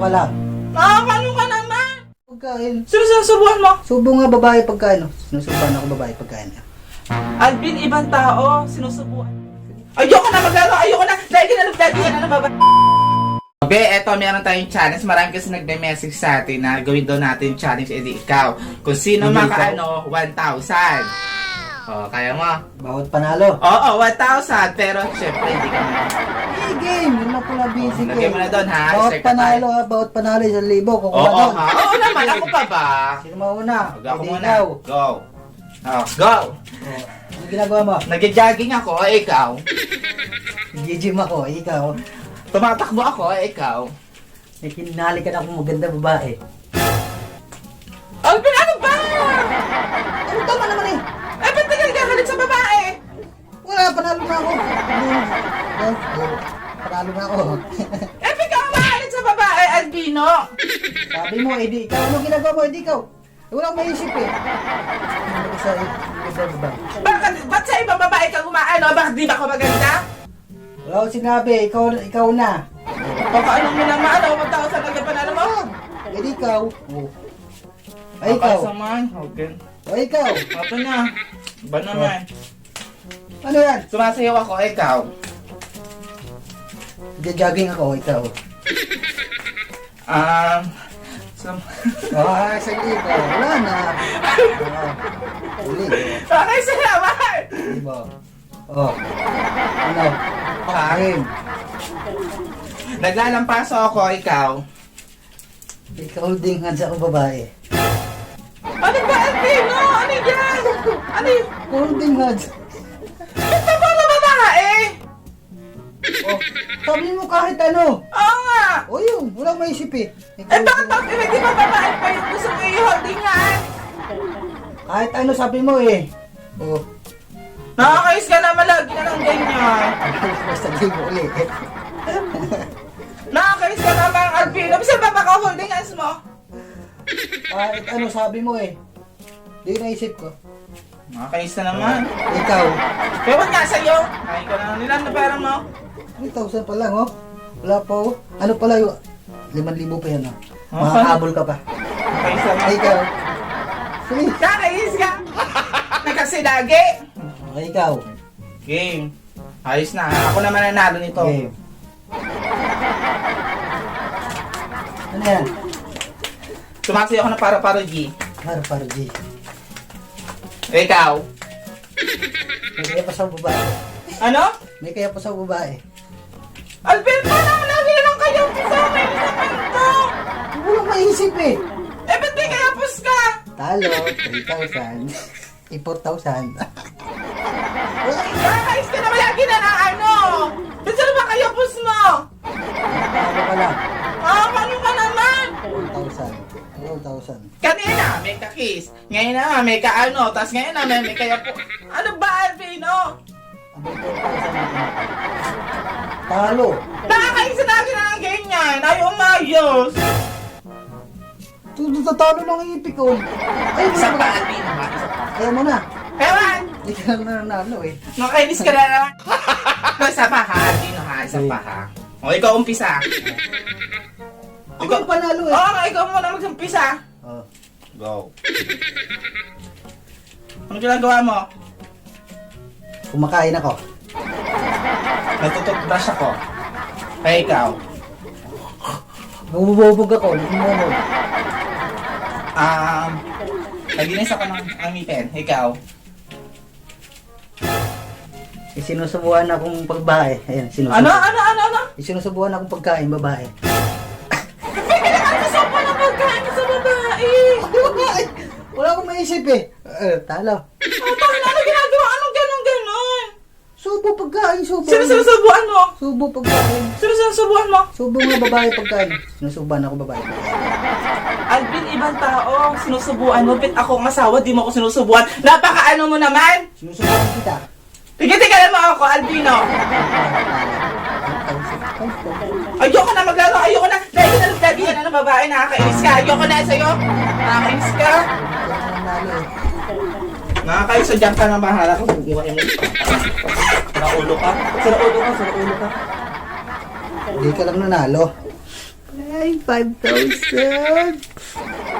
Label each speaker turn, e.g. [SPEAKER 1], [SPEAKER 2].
[SPEAKER 1] ka lang.
[SPEAKER 2] Nakakano ka naman!
[SPEAKER 1] Pagkain.
[SPEAKER 2] Sino sinusubuhan mo?
[SPEAKER 1] Subo nga babae pagkain. Sinusubuhan ako babae pagkain.
[SPEAKER 2] Alvin, ibang tao, sinusubuhan. Ayoko na maglaro, ayoko na! Dahil kinalagdadi yan na baba. Be, eto, meron tayong challenge. Marami kasi nagme-message sa atin na gawin daw natin challenge, edi ikaw. Kung sino
[SPEAKER 1] Hindi
[SPEAKER 2] makaano, 1,000. O, kaya mo?
[SPEAKER 1] Bawat panalo.
[SPEAKER 2] Oo, 1,000. Pero, syempre, hindi ka na.
[SPEAKER 1] Hey, game. Yun lang pala busy ko.
[SPEAKER 2] Lagyan mo na doon, ha?
[SPEAKER 1] Bawat
[SPEAKER 2] Share ka
[SPEAKER 1] panalo
[SPEAKER 2] tayo.
[SPEAKER 1] ha. Bawat panalo 1,000. Kukuha
[SPEAKER 2] Oo,
[SPEAKER 1] doon.
[SPEAKER 2] ha? Oo naman, ako pa ba?
[SPEAKER 1] Sino mauna?
[SPEAKER 2] Ako
[SPEAKER 1] Hindi
[SPEAKER 2] muna.
[SPEAKER 1] ikaw.
[SPEAKER 2] Go. Oh, go.
[SPEAKER 1] Ano ginagawa mo?
[SPEAKER 2] Nag-jogging ako, ikaw.
[SPEAKER 1] Gym ako. Ikaw.
[SPEAKER 2] Tumatakbo ako, ikaw.
[SPEAKER 1] May kinali ka na akong maganda babae.
[SPEAKER 2] Alvin, ano ba?
[SPEAKER 1] Ano tama naman eh?
[SPEAKER 2] Eh, ba't nagagalit sa babae?
[SPEAKER 1] Wala, panalo na ako. Panalo na ako.
[SPEAKER 2] Eh, ba't ka umaalit sa babae, Albino?
[SPEAKER 1] Sabi mo, edi ikaw. Ano ginagawa mo, edi ikaw? Wala akong maisip eh. Ano sa babae?
[SPEAKER 2] Ba't sa ibang babae kang umaano? Bakit di ba ako maganda?
[SPEAKER 1] Wala akong sinabi. Ikaw na.
[SPEAKER 2] Baka anong mo naman, ano? 1,000 agad panalo mo?
[SPEAKER 1] Edi ikaw. Oh. Ay, ikaw.
[SPEAKER 2] Saman, okay.
[SPEAKER 1] Ay, ikaw.
[SPEAKER 2] Ito na. Ba naman?
[SPEAKER 1] Ano yan?
[SPEAKER 2] Sumasayaw ako, ikaw.
[SPEAKER 1] Jogging ako, ikaw. Sige ka. Wala na. Uli.
[SPEAKER 2] Okay, salamat!
[SPEAKER 1] Diba? Oh. Ano? Kain.
[SPEAKER 2] Naglalampaso ako, ikaw.
[SPEAKER 1] Ikaw ding hands ako babae.
[SPEAKER 2] Ano ba, Albino? Ano yan? Ano yun?
[SPEAKER 1] Holding hands.
[SPEAKER 2] Ito ba na babae?
[SPEAKER 1] Oh, sabi mo kahit ano.
[SPEAKER 2] Oo nga.
[SPEAKER 1] O yun, wala akong maisip eh.
[SPEAKER 2] Eh, bakit ba, di ba babae pa yung gusto mo i-holding nga?
[SPEAKER 1] Kahit ano sabi mo eh. Oh.
[SPEAKER 2] Nakakayos ka naman lagi na ng ganyan.
[SPEAKER 1] Basta di mo ulit.
[SPEAKER 2] Nakakayos ka naman, Albino. Bisa ba baka holding hands mo?
[SPEAKER 1] Kahit ano sabi mo eh. Di naisip ko.
[SPEAKER 2] Nakakayos ka naman.
[SPEAKER 1] Ikaw.
[SPEAKER 2] Kaya ba't nga sa'yo? Kain ka na nila na pera mo.
[SPEAKER 1] 3,000 pa lang oh. Wala pa oh. Ano pala yung 5,000 pa yan oh.
[SPEAKER 2] Okay.
[SPEAKER 1] Makakabol ka pa.
[SPEAKER 2] Nakakayos ka naman.
[SPEAKER 1] Ikaw. Sige.
[SPEAKER 2] Nakakayos ka. Nakasilagi.
[SPEAKER 1] Okay, ikaw.
[SPEAKER 2] Game. Ayos na. Ako naman nanalo nito.
[SPEAKER 1] Okay. Ano yan?
[SPEAKER 2] Sumasayaw ako na para G.
[SPEAKER 1] Para G.
[SPEAKER 2] Ikaw.
[SPEAKER 1] May kaya pa sa babae.
[SPEAKER 2] Ano?
[SPEAKER 1] May kaya pa sa babae.
[SPEAKER 2] Alvin, parang lagi lang kayo sa amin sa kanto.
[SPEAKER 1] Walang maisip eh.
[SPEAKER 2] Eh, ba't may kayapos ka?
[SPEAKER 1] Talo, 3,000. 4,000.
[SPEAKER 2] Nakakayos ka naman lagi na ng ano. Ba't saan ba kayapos mo?
[SPEAKER 1] Talo ka lang.
[SPEAKER 2] Paano ka naman?
[SPEAKER 1] 4,000.
[SPEAKER 2] Kanina, may kakis. Ngayon na, may kaano. Tapos ngayon na, may kayapo. Ano ba, Alvino?
[SPEAKER 1] Ang 4,000 na tinatalo. Talo.
[SPEAKER 2] Nakakayos na lagi na ng ganyan. Ayaw umayos.
[SPEAKER 1] Talo lang ang ipik ko. Ay,
[SPEAKER 2] Isa pa, Alvino. Isa pa.
[SPEAKER 1] Ayaw mo na.
[SPEAKER 2] Ewan!
[SPEAKER 1] Hindi ka lang nanalo eh.
[SPEAKER 2] Nakainis ka na naman. Isa pa ha, Dino ha. Isa pa ha. O, ikaw umpisa.
[SPEAKER 1] Ako yung panalo eh.
[SPEAKER 2] Oo, ikaw muna mag-umpisa.
[SPEAKER 1] Oh.
[SPEAKER 2] Go. Ano ginagawa mo?
[SPEAKER 1] Kumakain ako.
[SPEAKER 2] Natututbrush ako. Kaya ikaw.
[SPEAKER 1] Bumubog ako. Bumubog.
[SPEAKER 2] Naginis ako ng ngipin. Ikaw.
[SPEAKER 1] Sinusubuhan akong pagbae. Ayan, sinusubuhan.
[SPEAKER 2] Ano?
[SPEAKER 1] Sinusubuhan akong pagkain babae.
[SPEAKER 2] Nagkakasawa na pagkain sa babae.
[SPEAKER 1] Wala akong maisip eh. Talo.
[SPEAKER 2] Ano ginagawa? Anong ganon?
[SPEAKER 1] Subo pagkain, subo.
[SPEAKER 2] Sino sinusubuan mo?
[SPEAKER 1] Subo pagkain.
[SPEAKER 2] Sino sinusubuan mo?
[SPEAKER 1] Subo nga babae pagkain. Sinusubuhan ako babae pagkain.
[SPEAKER 2] Alvin, ibang tao. Sinusubuan mo. Bit ako ang asawa, di mo ako sinusubuan. Napaka-ano mo naman?
[SPEAKER 1] Sinusubuhan kita.
[SPEAKER 2] Tigil-tigilan mo ako, Albino. Ayoko na maglaro, ayoko na. Dahil kinalagdadi yan ng babae, nakakainis ka. Ayoko na sa'yo. Nakakainis ka. Nakakainis sa dyan ka na bahala ko. Bubuhay mo. Saraulo ka.
[SPEAKER 1] Hindi ka lang nanalo. Ay, 5,000.